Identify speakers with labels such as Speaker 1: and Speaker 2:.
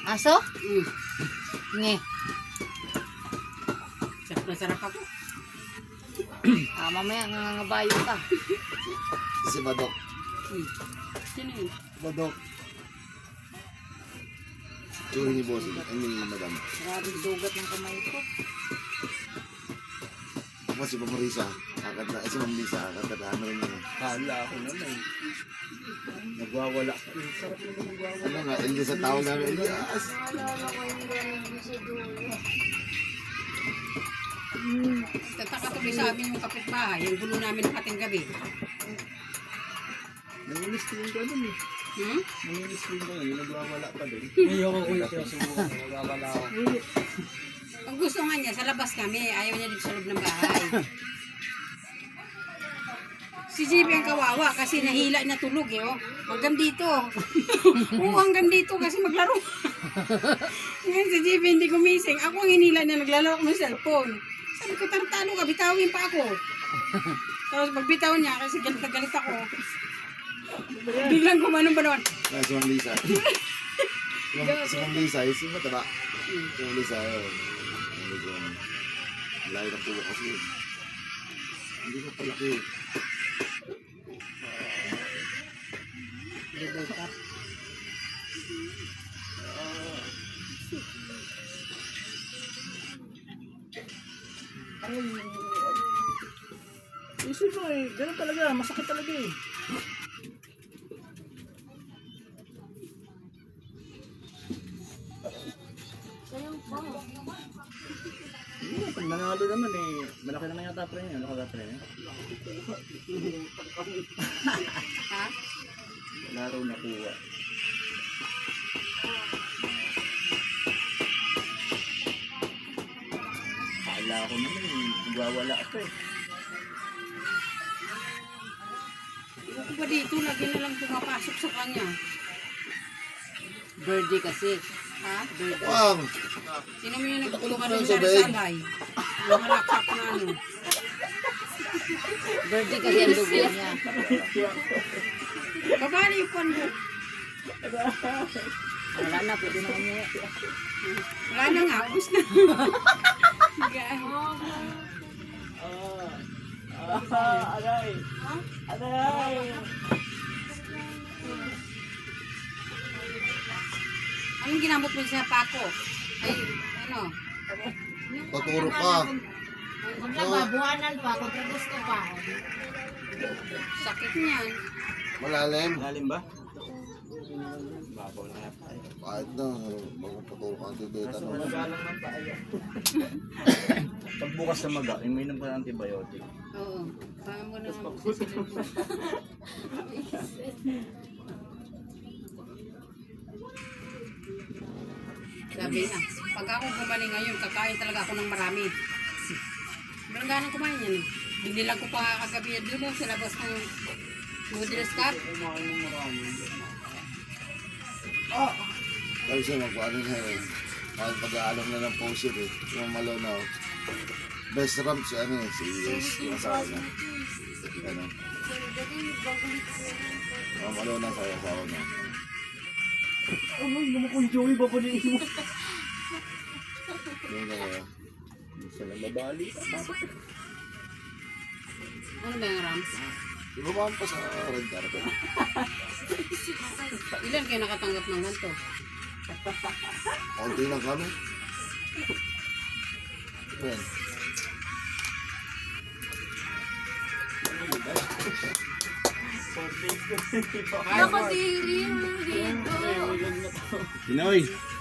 Speaker 1: Aso? Nge.
Speaker 2: Sarap na sarap ako.
Speaker 1: Mamaya nangangabayo ka.
Speaker 3: Si Badok.
Speaker 2: Sino yun?
Speaker 3: Badok. Tsuri ni boss. Ay, ni madam.
Speaker 1: Maraming dugat ng kamay ko.
Speaker 3: Ako si Pamarisa. Si Ma'am Lisa. Kakatahan na rin yun.
Speaker 4: Hala ako naman. Nagwawala. Sarap naman nagwawala.
Speaker 3: Ano nga, Elias sa tawag namin. Elias!
Speaker 1: Naalala ko yung gano'n sa dulo.
Speaker 2: Tataka tuloy sa amin yung kapitbahay. Yung gulo namin ng ating gabi.
Speaker 4: Nanginis ko yung gano'n eh. Nanginis ko yung gano'n. Yung nagwawala pa din.
Speaker 5: Ayoko ko ito. Subukan. Nagwawala ako.
Speaker 2: Ang gusto nga niya, sa labas kami. Ayaw niya dito sa loob ng bahay. Si JB ang kawawa kasi nahila na tulog eh. Oh. Hanggang dito. Oo, hanggang dito kasi maglaro. Ngayon si JB hindi gumising. Ako ang hinila na naglalaro ko ng cellphone. Sabi ko, tartalo ka, bitawin pa ako. Tapos pagbitaw niya kasi galit na galit ako. Biglang kumanong ba naman?
Speaker 3: Si Ma'am Lisa. Si Ma'am Lisa, si mataba. Si Ma'am Lisa, yun. Layo ng puwa kasi. Hindi ko palaki.
Speaker 4: Isip mo eh. Ganun talaga. Masakit talaga eh. Pag nanalo naman eh. Malaki naman yata pre niya. Ano ka pre niya?
Speaker 2: Ha?
Speaker 4: Laro na kuha. Kala ko naman eh. Nagwawala ako eh.
Speaker 2: Ako ba dito, lagi na lang pumapasok sa kanya.
Speaker 1: Birdie kasi.
Speaker 2: Ha?
Speaker 3: Wow!
Speaker 2: Sino mo yung nagtulungan
Speaker 3: Ano
Speaker 2: ng
Speaker 3: sa bed?
Speaker 2: salay? Yung malaksak na ano.
Speaker 1: Birdie kasi ang dugo niya.
Speaker 2: Babali yung pan mo.
Speaker 1: Wala na, pwede na umuwi.
Speaker 2: Wala na nga, ubus na.
Speaker 4: Aray! Aray!
Speaker 2: Anong ginamot mo sa pako? Ay, ano?
Speaker 3: Tuturo ka.
Speaker 1: Kung nababuhanan pa, kung gusto pa.
Speaker 2: Sakit niyan.
Speaker 3: Malalim.
Speaker 4: Lalim ba? Babaw na yata eh.
Speaker 3: Kahit na, magpapaturo ka ang tibeta.
Speaker 4: Kaso magalang ng paaya. Pagbukas sa maga, iminom ka ng antibiotic.
Speaker 2: Oo. Paano mo na nga magsisilip mo? Sabi na, pag ako gumaling ngayon, kakain talaga ako ng marami. Walang ganang kumain yan eh. Binilang ko pa kagabi yan doon sa labas ng noodles cup.
Speaker 3: Sabi siya, magpaano na eh. Kahit pag-aalam na ng post eh. Yung malo na. Best ramp si ano eh, si Yes. Yung asawa na. Ano. Yung malo na sa asawa na.
Speaker 4: Oh, may lumakong Joey, babaliin mo.
Speaker 3: Yung kaya.
Speaker 4: Isa lang babali.
Speaker 2: Ano ba yung ram?
Speaker 3: Ibabaan pa sa red carpet.
Speaker 2: Ilan kayo nakatanggap ng ganito?
Speaker 3: Konti lang kami. Ayan.
Speaker 1: Nakadiri dito.
Speaker 4: Pinoy!